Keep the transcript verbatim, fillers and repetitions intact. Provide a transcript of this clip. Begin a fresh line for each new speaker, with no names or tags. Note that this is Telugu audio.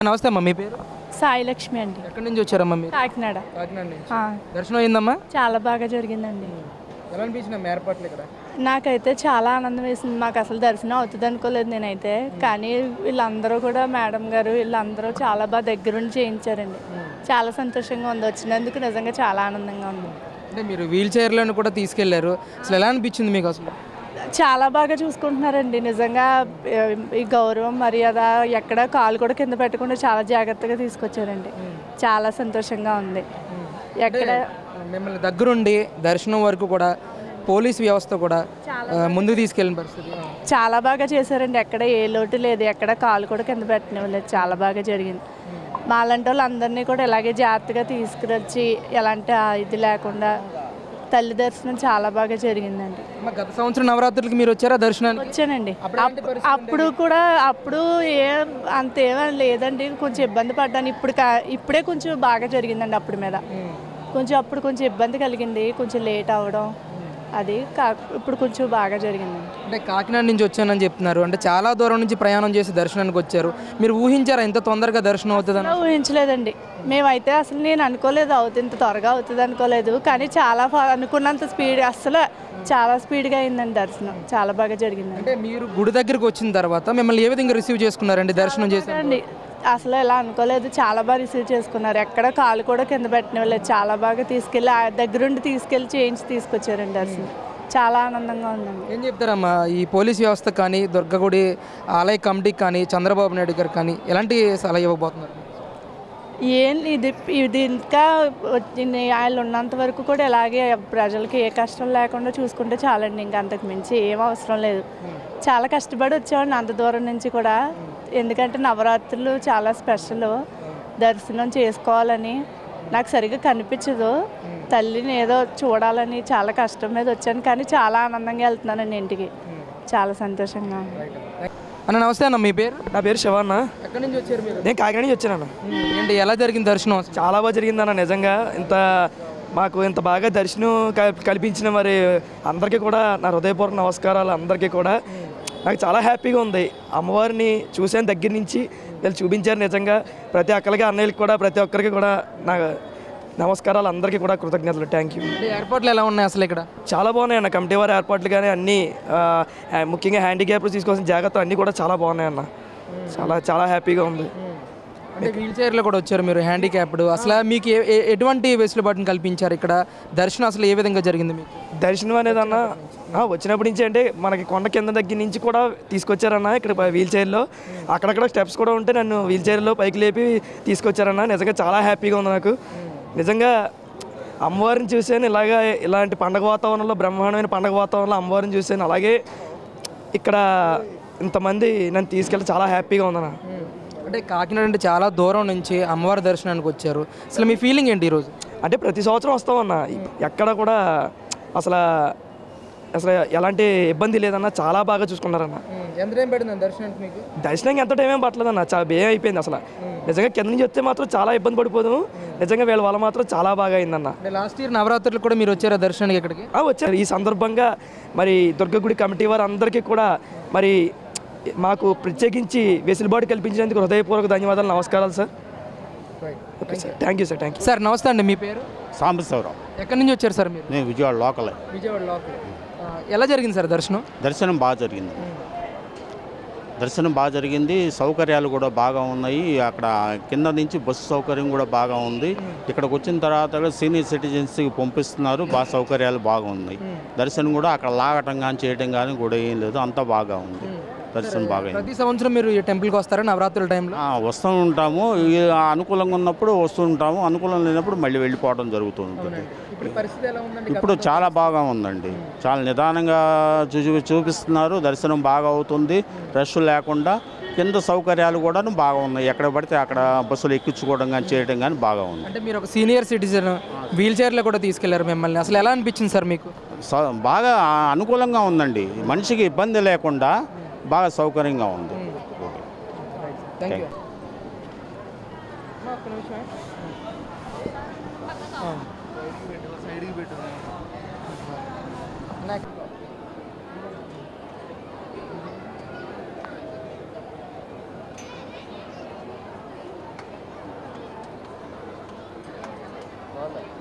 నమస్తే అమ్మా, మీ పేరు?
సాయి లక్ష్మి అండి.
ఎక్కడి నుంచి వచ్చారమ్మా మీరు?
కాకినాడ.
కాకినాడ నుంచి. దర్శనం అయిందమ్మా?
చాలా బాగా జరిగిందండి.
ఎలా అనిపించింది ఏర్పాట్లు ఇక్కడ?
నాకైతే చాలా ఆనందం వేసింది. మాకు అసలు దర్శనం అవుతుంది అనుకోలేదు నేనైతే. కానీ వీళ్ళందరూ కూడా, మేడం గారు వీళ్ళందరూ చాలా బాగా దగ్గరుండి చేయించారండి. చాలా సంతోషంగా ఉంది. వచ్చినందుకు నిజంగా చాలా ఆనందంగా ఉంది.
అంటే మీరు వీల్ చైర్లను కూడా తీసుకెళ్లారు, అసలు ఎలా అనిపించింది మీకు? అసలు
చాలా బాగా చూసుకుంటున్నారండి నిజంగా. ఈ గౌరవం మర్యాద ఎక్కడ కాలు కూడా కింద పెట్టకుండా చాలా జాగ్రత్తగా తీసుకొచ్చారండి. చాలా సంతోషంగా ఉంది. ఎక్కడ
మిమ్మల్ని దగ్గరుండి దర్శనం వరకు కూడా పోలీస్ వ్యవస్థ కూడా ముందుకు తీసుకెళ్ళిన పరిస్థితి
చాలా బాగా చేశారండి. ఎక్కడ ఏ లోటు లేదు, ఎక్కడ కాలు కూడా కింద పెట్టనివ్వలేదు. చాలా బాగా జరిగింది. మాలాంటి వాళ్ళు అందరినీ కూడా ఇలాగే జాగ్రత్తగా తీసుకురొచ్చి ఎలాంటి ఇది లేకుండా తల్లి దర్శనం చాలా బాగా జరిగిందండి.
గత సంవత్సరం నవరాత్రులకి మీరు వచ్చారా దర్శనానికి?
వచ్చానండి. అప్పుడు కూడా అప్పుడు ఏ అంతేమీ లేదండి, కొంచెం ఇబ్బంది పడ్డాను. ఇప్పుడు ఇప్పుడే కొంచెం బాగా జరిగిందండి. అప్పుడు మీద కొంచెం అప్పుడు కొంచెం ఇబ్బంది కలిగింది, కొంచెం లేట్ అవ్వడం అది. కా ఇప్పుడు కొంచెం బాగా జరిగిందండి.
అంటే కాకినాడ నుంచి వచ్చానని చెప్తున్నారు, అంటే చాలా దూరం నుంచి ప్రయాణం చేసి దర్శనానికి వచ్చారు. మీరు ఊహించారా ఇంత తొందరగా దర్శనం అవుతుందని?
ఊహించలేదండి మేమైతే. అసలు నేను అనుకోలేదు అవుతుంది, ఇంత త్వరగా అవుతుంది అనుకోలేదు. కానీ చాలా అనుకున్నంత స్పీడ్, అసలు చాలా స్పీడ్గా అయిందండి దర్శనం. చాలా బాగా జరిగింది.
అంటే మీరు గుడి దగ్గరికి వచ్చిన తర్వాత మిమ్మల్ని ఏ విధంగా రిసీవ్ చేసుకున్నారండి దర్శనం చేసి?
అసలు ఎలా అనుకోలేదు, చాలా బాగా రిసీవ్ చేసుకున్నారు. ఎక్కడ కాలు కూడా కింద పెట్టినవ్వలేదు. చాలా బాగా తీసుకెళ్ళి దగ్గరుండి తీసుకెళ్ళి చేయించి తీసుకొచ్చారండి దర్శనం. చాలా ఆనందంగా ఉందండి.
ఏం చెప్తారమ్మా ఈ పోలీస్ వ్యవస్థ కానీ, దుర్గగుడి ఆలయ కమిటీకి కానీ, చంద్రబాబు నాయుడు గారు కానీ ఎలాంటి సలహా ఇవ్వబోతున్నారు?
ఏం ఇది ఇది ఇంకా ఆయన ఉన్నంత వరకు కూడా ఇలాగే ప్రజలకి ఏ కష్టం లేకుండా చూసుకుంటే చాలండి. ఇంకా అంతకు మించి ఏం అవసరం లేదు. చాలా కష్టపడి వచ్చామండి అంత దూరం నుంచి కూడా. ఎందుకంటే నవరాత్రులు చాలా స్పెషల్. దర్శనం చేసుకోవాలని నాకు సరిగ్గా కనిపించదు. తల్లిని ఏదో చూడాలని చాలా కష్టం మీద వచ్చాను. కానీ చాలా ఆనందంగా వెళ్తున్నానండి ఇంటికి. చాలా సంతోషంగా ఉంది.
అన్న నమస్తే అన్న, మీ పేరు?
నా పేరు శివన్న.
ఎక్కడి నుంచి వచ్చారు మీరు?
నేను కాకినాడ నుంచి వచ్చాను.
ఏంటి ఎలా జరిగింది దర్శనం?
చాలా బాగా జరిగిందన్న. నిజంగా ఇంత మాకు ఇంత బాగా దర్శనం కల్పించిన మరి అందరికీ కూడా నా హృదయపూర్వక నమస్కారాలు. అందరికీ కూడా నాకు చాలా హ్యాపీగా ఉంది. అమ్మవారిని చూసాను దగ్గర నుంచి, వీళ్ళు చూపించారు. నిజంగా ప్రతి ఒక్కరికి, అన్నయ్యకి కూడా, ప్రతి ఒక్కరికి కూడా నా నమస్కారాలు. అందరికీ కూడా కృతజ్ఞతలు. Thank you.
ఏర్పాట్లు ఎలా ఉన్నాయి అసలు ఇక్కడ?
చాలా బాగున్నాయి అన్న. కమిటీ వారి ఏర్పాట్లు కానీ అన్నీ, ముఖ్యంగా హ్యాండిక్యాప్లు తీసుకోవాల్సిన జాగ్రత్తలు అన్నీ కూడా చాలా బాగున్నాయి అన్న. చాలా చాలా హ్యాపీగా ఉంది.
అంటే వీల్ చైర్లో కూడా వచ్చారు మీరు, హ్యాండిక్యాప్డ్. అసలు మీకు ఎటువంటి వెసులుబాటును కల్పించారు ఇక్కడ? దర్శనం అసలు ఏ విధంగా జరిగింది మీకు?
దర్శనం అనేది అన్న వచ్చినప్పటి నుంచి అంటే మనకి కొండ కింద దగ్గర నుంచి కూడా తీసుకొచ్చారన్న. ఇక్కడ వీల్ చైర్లో అక్కడక్కడ స్టెప్స్ కూడా ఉంటే నన్ను వీల్ చైర్లో పైకి లేపి తీసుకొచ్చారన్న. నిజంగా చాలా హ్యాపీగా ఉంది నాకు. నిజంగా అమ్మవారిని చూసాను ఇలాగా, ఇలాంటి పండగ వాతావరణంలో, బ్రహ్మాండమైన పండగ వాతావరణంలో అమ్మవారిని చూసాను. అలాగే ఇక్కడ ఇంతమంది నన్ను తీసుకెళ్ళి చాలా హ్యాపీగా ఉందన్న.
అంటే కాకినాడ అంటే చాలా దూరం నుంచి అమ్మవారి దర్శనానికి వచ్చారు. అసలు మీ ఫీలింగ్ ఏంటి ఈరోజు?
అంటే ప్రతి సంవత్సరం వస్తామన్న. ఎక్కడ కూడా అసలు అసలు ఎలాంటి ఇబ్బంది లేదన్న. చాలా బాగా చూసుకున్నారన్న.
ఎంత టైం పడింది దర్శనానికి మీకు?
దర్శనానికి ఎంత టైం ఏం పట్టలేదన్న. చాలా భయం అయిపోయింది అసలు. నిజంగా కింద నుంచి వస్తే మాత్రం చాలా ఇబ్బంది పడిపోదాము. నిజంగా వీళ్ళ వల్ల మాత్రం చాలా బాగా అయిందన్న.
లాస్ట్ ఇయర్ నవరాత్రులు కూడా మీరు వచ్చారా దర్శనానికి ఇక్కడికి?
వచ్చారు. ఈ సందర్భంగా మరి దుర్గగుడి కమిటీ వారు అందరికీ కూడా మరి మాకు ప్రత్యేకించి వెసులుబాటు కల్పించినందుకు హృదయపూర్వక ధన్యవాదాలు, నమస్కారాలు sir. Okay sir, thank you sir. Thank you
sir. నమస్తే అండి, మీ పేరు?
సాంబశివరావు.
ఎక్కడి నుంచి వచ్చారు సార్ మీరు?
నేను విజయవాడ లోకల్.
విజయవాడ లోకల్. ఎలా జరిగింది సార్ దర్శనం?
దర్శనం బాగా జరిగింది. దర్శనం బాగా జరిగింది. సౌకర్యాలు కూడా బాగా ఉన్నాయి. అక్కడ కింద నుంచి బస్సు సౌకర్యం కూడా బాగా ఉంది. ఇక్కడికి వచ్చిన తర్వాత సీనియర్ సిటిజన్స్కి పంపిస్తున్నారు. బాగా సౌకర్యాలు బాగున్నాయి. దర్శనం కూడా అక్కడ లాగటం కానీ చేయటం కానీ కూడా ఏం లేదు, అంతా బాగా ఉంది. దర్శనం బాగా.
ప్రతి సంవత్సరం మీరు ఈ టెంపుల్కి వస్తారా నవరాత్రుల టైంలో?
వస్తూ ఉంటాము. అనుకూలంగా ఉన్నప్పుడు వస్తూ ఉంటాము, అనుకూలం లేనప్పుడు మళ్ళీ వెళ్ళిపోవడం జరుగుతూ ఉంటుంది. ఇప్పుడు చాలా బాగా ఉందండి. చాలా నిదానంగా చూ చూపిస్తున్నారు. దర్శనం బాగా అవుతుంది, రష్ లేకుండా. కింద సౌకర్యాలు కూడా బాగా ఉన్నాయి. ఎక్కడ పడితే అక్కడ బస్సులు ఎక్కించుకోవడం కానీ చేయడం కానీ బాగా ఉంది.
అంటే మీరు ఒక సీనియర్ సిటిజన్, వీల్ చైర్లో కూడా తీసుకెళ్లారు మిమ్మల్ని. అసలు ఎలా అనిపించింది సార్ మీకు?
బాగా అనుకూలంగా ఉందండి. మనిషికి ఇబ్బంది లేకుండా బాగా సౌకర్యంగా ఉంది.
Thank you. బాబాయ్.